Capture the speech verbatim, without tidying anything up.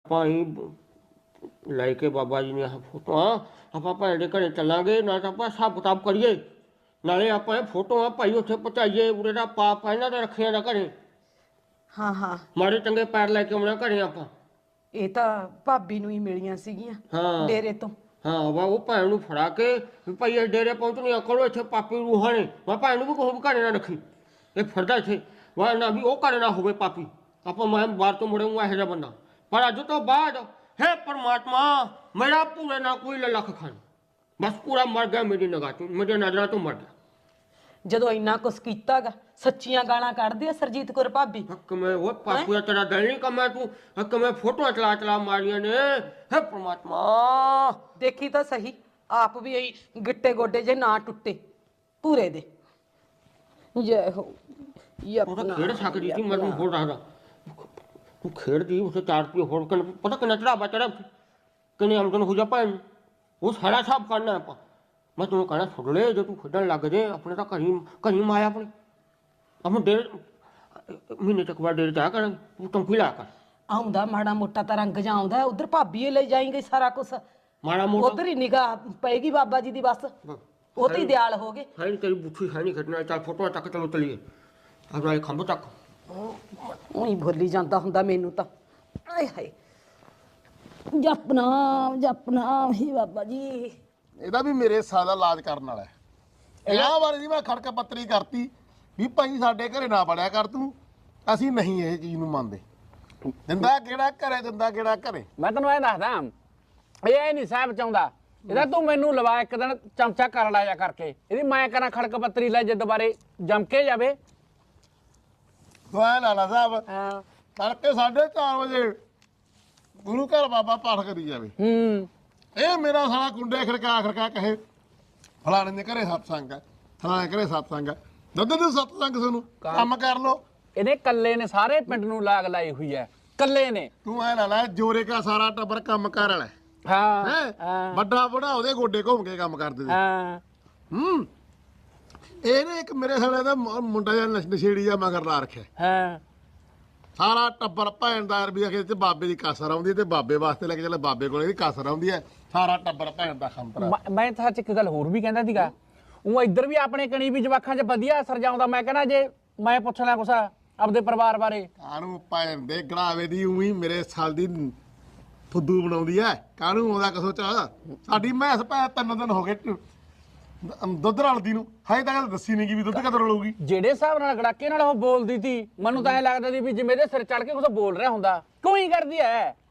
ਭਾਈ ਲੈ ਕੇ ਬਾਬਾ ਜੀ ਨੇ ਆਹ ਫੋਟੋਆਂ ਆਪਾਂ ਭੈਣ ਦੇ ਘਰੇ ਚੱਲਾਂਗੇ ਨਾ ਤਾਂ ਆਪਾਂ ਹਿਸਾਬ ਕਿਤਾਬ ਕਰੀਏ ਨਾਲੇ ਆਪਾਂ ਇਹ ਫੋਟੋਆਂ ਭਾਈ ਉੱਥੇ ਪਹੁੰਚਾਈਏ ਉਰੇ ਦਾ ਪਾਪ ਇਹਨਾਂ ਦਾ ਰੱਖਿਆ ਦਾ ਘਰੇ ਹਾਂ ਹਾਂ ਮਾੜੇ ਚੰਗੇ ਪੈਰ ਲੈ ਕੇ ਆਉਣਾ ਘਰੇ ਆਪਾਂ ਇਹ ਤਾਂ ਭਾਬੀ ਨੂੰ ਹੀ ਮਿਲੀਆਂ ਸੀਗੀਆਂ ਹਾਂ ਡੇਰੇ ਤੋਂ ਹਾਂ ਵਾ ਉਹ ਭੈਣ ਨੂੰ ਫੜਾ ਕੇ ਵੀ ਭਾਈ ਇਹ ਡੇਰੇ ਪਹੁੰਚਣੀ ਕਰੋ ਇੱਥੇ ਪਾਪੀ ਰੂਹਾਂ ਨੇ ਮੈਂ ਭੈਣ ਨੂੰ ਵੀ ਕੋਈ ਘਰੇ ਨਾ ਰੱਖੀ ਇਹ ਫਿਰਦਾ ਇੱਥੇ ਵਾ ਨਾ ਵੀ ਉਹ ਘਰੇ ਨਾ ਹੋਵੇ ਪਾਪੀ ਆਪਾਂ ਮੈਂ ਬਾਹਰ ਤੋਂ ਮੁੜੇ ਹੂੰ ਇਹੋ ਜਿਹਾ ਬੰਦਾ ਪਰ ਅੱਜ ਤੋਂ ਬਾਅਦ हे परमात्मा मेरा पूरे ना कोई लख खान बस पूरा मर गया मेरी निगाह तो मेरे नजर तो मर गया ਜਦੋਂ ਇੰਨਾ ਕੁਛ ਕੀਤਾਗਾ ਸੱਚੀਆਂ ਗਾਲਾਂ ਕੱਢਦੀ ਆ ਸਰਜੀਤ ਕੌਰ ਭਾਬੀ हक में वो पापू तेरा दिल नहीं कमा तू हक में फोटो चला चला मारिया ने हे परमात्मा ਦੇਖੀ ਤਾਂ ਸਹੀ ਆਪ ਵੀ ਇਹੀ ਗਿੱਟੇ ਗੋਡੇ ਜੇ ਨਾ ਟੁੱਟੇ ਪੂਰੇ ਦੇ ਜੈ ਹੋ ਉਹ ਤਾਂ ਖੇਡ ਸਕਦੀ ਸੀ ਮੈਨੂੰ ਹੋਰ ਰੱਖਦਾ ਤੂੰ ਖੇਡਦੀ ਉਸੇ ਚਾਰ ਰੁਪਏ ਹੋਰ ਕਿੰਨੇ ਪਤਾ ਕਿੰਨਾ ਚੜਾਵਾ ਚੜਾ ਕਿੰਨੇ ਆਮਦਨ ਹੋ ਜਾ ਭੈਣ ਉਹ ਸਾਰਾ ਹਿਸਾਬ ਕਰਨਾ ਆਪਾਂ ਮੈਂ ਤੈਨੂੰ ਕਹਿਣਾ ਸੁਣ ਲੈ ਜੇ ਤੂੰ ਖੇਡਣ ਲੱਗ ਜੇ ਆਪਣੇ ਤਾਂ ਘਰੀ ਘਰੀ ਮਾਇਆ ਆਪਣੇ ਆਪਾਂ ਡੇਢ ਮਹੀਨੇ ਤੱਕ ਬਾਅਦ ਡੇਢ ਜਾ ਕਰਾਂਗੇ ਤੂੰ ਟੰਕੀ ਲਾ ਕਰ ਆਉਂਦਾ ਮਾੜਾ ਮੋਟਾ ਤਾਂ ਰੰਗ ਜਾ ਆਉਂਦਾ ਉਧਰ ਭਾਬੀ ਇਹ ਲੈ ਜਾਏਂਗੇ ਸਾਰਾ ਕੁਛ ਮਾੜਾ ਮੋਟਾ ਉਧਰ ਹੀ ਨਿਗਾਹ ਪਏਗੀ ਬਾਬਾ ਜੀ ਦੀ ਬਸ ਉਹ ਤੇ ਦਿਆਲ ਹੋ ਗਏ ਹੈ ਨਹੀਂ ਤੇਰੀ ਬੁੱਥੀ ਹੈ ਨਹੀਂ ਖੇਡਣਾ ਚੱਲ ਫੋਟੋ ਤੱਕ ਚਲੋ ਚਲੀਏ ਆਪਣਾ ਇਹ ਖੰਭ ਤੱਕ ਉਹੀ ਭੁੱਲੀ ਜਾਂਦਾ ਹੁੰਦਾ ਮੈਨੂੰ ਤਾਂ ਆਏ ਹਾਏ ਜਪਨਾ ਜਪਨਾ ਹੀ ਬਾਬਾ ਜੀ ਇਹਦਾ ਵੀ ਮੇਰੇ ਸਾਲ ਦਾ ਇਲਾਜ ਕਰਨ ਵਾਲਾ ਹੈ ਇਹਨਾਂ ਬਾਰੇ ਦੀ ਮੈਂ ਖੜਕਾ ਪੱਤਰੀ ਕਰਤੀ ਵੀ ਭਾਈ ਸਾਡੇ ਘਰੇ ਨਾ ਵੜਿਆ ਕਰ ਤੂੰ ਅਸੀਂ ਨਹੀਂ ਇਹ ਚੀਜ਼ ਨੂੰ ਮੰਨਦੇ ਦਿੰਦਾ ਕਿਹੜਾ ਘਰੇ ਦਿੰਦਾ ਕਿਹੜਾ ਘਰੇ ਮੈਂ ਤੈਨੂੰ ਇਹ ਦੱਸਦਾ ਇਹ ਨਹੀਂ ਸਾਹਿਬ ਚਾਹੁੰਦਾ ਇਹਦਾ ਤੂੰ ਮੈਨੂੰ ਲਵਾ ਇੱਕ ਦਿਨ ਚਮਚਾ ਕਰ ਲਾਇਆ ਕਰਕੇ ਇਹਦੀ ਮੈਂ ਕਰਾਂ ਖੜਕ ਪੱਤਰੀ ਲੈ ਜੇ ਦੁਬਾਰੇ ਜਮ ਕੇ ਜਾਵੇ ਤੂੰ ਐ ਲਾਲਾ ਸਾਹਿਬ ਹਾਂ ਤੜਕੇ ਸਾਢੇ ਚਾਰ ਵਜੇ ਗੁਰੂ ਘਰ ਬਾਬਾ ਪਾਠ ਕਰੀ ਜਾਵੇ ਹੂੰ ਇਹ ਮੇਰਾ ਸਾਲਾ ਕੁੰਡੇ ਖੜਕਾ ਖੜਕਾ ਕਹੇ ਫਲਾਣੇ ਦੇ ਘਰੇ ਸਤਸੰਗ ਹੈ ਫਲਾਣੇ ਘਰੇ ਸਤਸੰਗ ਹੈ ਦੁੱਧ ਦੇ ਸਤਸੰਗ ਤੁਹਾਨੂੰ ਕੰਮ ਕਰ ਲੋ ਇਹਦੇ ਕੱਲੇ ਨੇ ਸਾਰੇ ਪਿੰਡ ਨੂੰ ਲਾਗ ਲਾਈ ਹੋਈ ਹੈ ਕੱਲੇ ਨੇ ਤੂੰ ਐ ਲਾਲਾ ਜੋਰੇ ਕਾ ਸਾਰਾ ਟੱਬਰ ਕੰਮ ਕਰ ਵਾਲਾ ਹਾਂ ਹੈ ਵੱਡਾ ਬੜਾ ਉਹਦੇ ਗੋਡੇ ਘੁੰਮ ਕੇ ਕੰਮ ਕਰਦੇ ਸੀ ਹਾਂ ਹੂੰ ਇਹਨੇ ਇੱਕ ਮੇਰੇ ਸਾਲੇ ਦਾ ਮੁੰਡਾ ਜਿਹਾ ਨਸ਼ੇੜੀ ਜਿਹਾ ਮਗਰ ਲਾ ਰੱਖਿਆ ਹਾਂ ਸਾਰਾ ਟੱਬਰ ਭੈਣ ਦਾ ਰੁਪਈਆ ਖੇਤ ਤੇ ਬਾਬੇ ਦੀ ਕਾਸਰ ਆਉਂਦੀ ਤੇ ਬਾਬੇ ਵਾਸਤੇ ਲੈ ਕੇ ਚੱਲੇ ਬਾਬੇ ਕੋਲੇ ਦੀ ਕਾਸਰ ਆਉਂਦੀ ਹੈ ਸਾਰਾ ਟੱਬਰ ਭੈਣ ਦਾ ਖੰਤਰਾ ਮੈਂ- ਮੈਂ ਤਾਂ ਸੱਚ ਇੱਕ ਗੱਲ ਹੋਰ ਵੀ ਕਹਿੰਦਾ ਸੀਗਾ ਉਹ ਇੱਧਰ ਵੀ ਆਪਣੇ ਕਣੀ ਵੀ ਜਵਾਖਾਂ 'ਚ ਵਧੀਆ ਅਸਰ ਜਾਉਂਦਾ ਮੈਂ ਕਹਿੰਦਾ ਜੇ ਮੈਂ ਪੁੱਛ ਲਿਆ ਕੁਛ ਆਪਦੇ ਪਰਿਵਾਰ ਬਾਰੇ ਕਾਹਨੂੰ ਭੈਣ ਦੇ ਗੜਾਵੇ ਦੀ ਉਹੀ ਮੇਰੇ ਸਾਲ ਦੀ ਫੁੱਦੂ ਬਣਾਉਂਦੀ ਐ ਕਾਹਨੂੰ ਆਉਂਦਾ ਕਸੋ ਚ ਸਾਡੀ ਮੈਸ ਭੈ ਤਿੰਨ ਦਿਨ ਹੋ ਗਏ ਦੁੱਧ ਰਲਦੀ ਨੂੰ ਹਾਏ ਤੱਕ ਦੱਸੀ ਨਹੀਂ ਕਿ ਵੀ ਦੁੱਧ ਕਦੋਂ ਰਲੂਗੀ ਜਿਹੜੇ ਹਿਸਾਬ ਨਾਲ ਗੜਾਕੇ ਨਾਲ ਉਹ ਬੋਲਦੀ ਸੀ ਮੈਨੂੰ ਤਾਂ ਐ ਲੱਗਦਾ ਸੀ ਵੀ ਜਿਵੇਂ ਇਹਦੇ ਸਿਰ ਚੜ ਕੇ ਕੁਛ ਬੋਲ ਰਿਹਾ ਹੁੰਦਾ ਕਿਉਂ ਹੀ ਕਰਦੀ ਐ